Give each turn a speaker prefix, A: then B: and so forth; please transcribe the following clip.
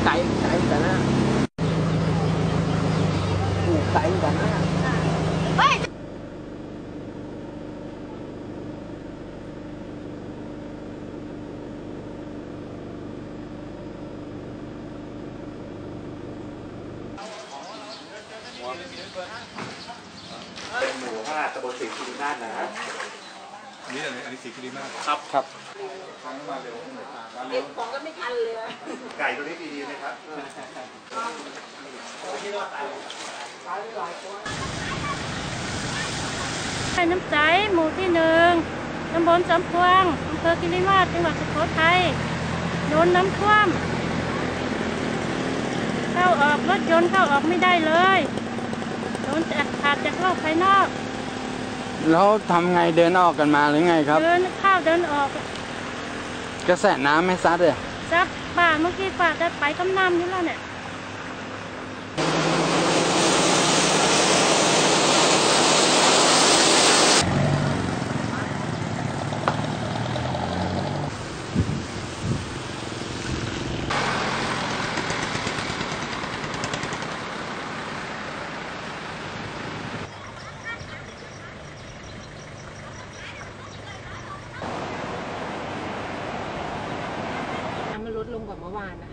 A: ไก่กันนะปลูกไก่กันนะ
B: เป็นหมู่5 ตำบลศรีคิริมาศนะอันนี้ศรีคิริมาศครับมาเร็วเก็บของก็ไม่ทันเลยไก่ตัวนี้ดีไหมครับ
C: ไข่น้ำใสหมู่ที่1ตำบลสำพวงอำเภอคิริมาศจังหวัดสุโขทัยโดนน้ำท่วมเข้าออกรถยนต์เข้าออกไม่ได้เลยโดนขาดจากโลกภายนอก
D: แล้วทำไงเดินออกกันมาหรือไงครับ
C: เดินเข้าเดินออก
D: กระแสน้ำไม่ซัดเลย
C: ซัดป่าเมื่อกี้ป่าจะไปกำน้ำอยู่แล้วเนี่ย
E: มันลดลงกว่าเมื่อวานนะคะ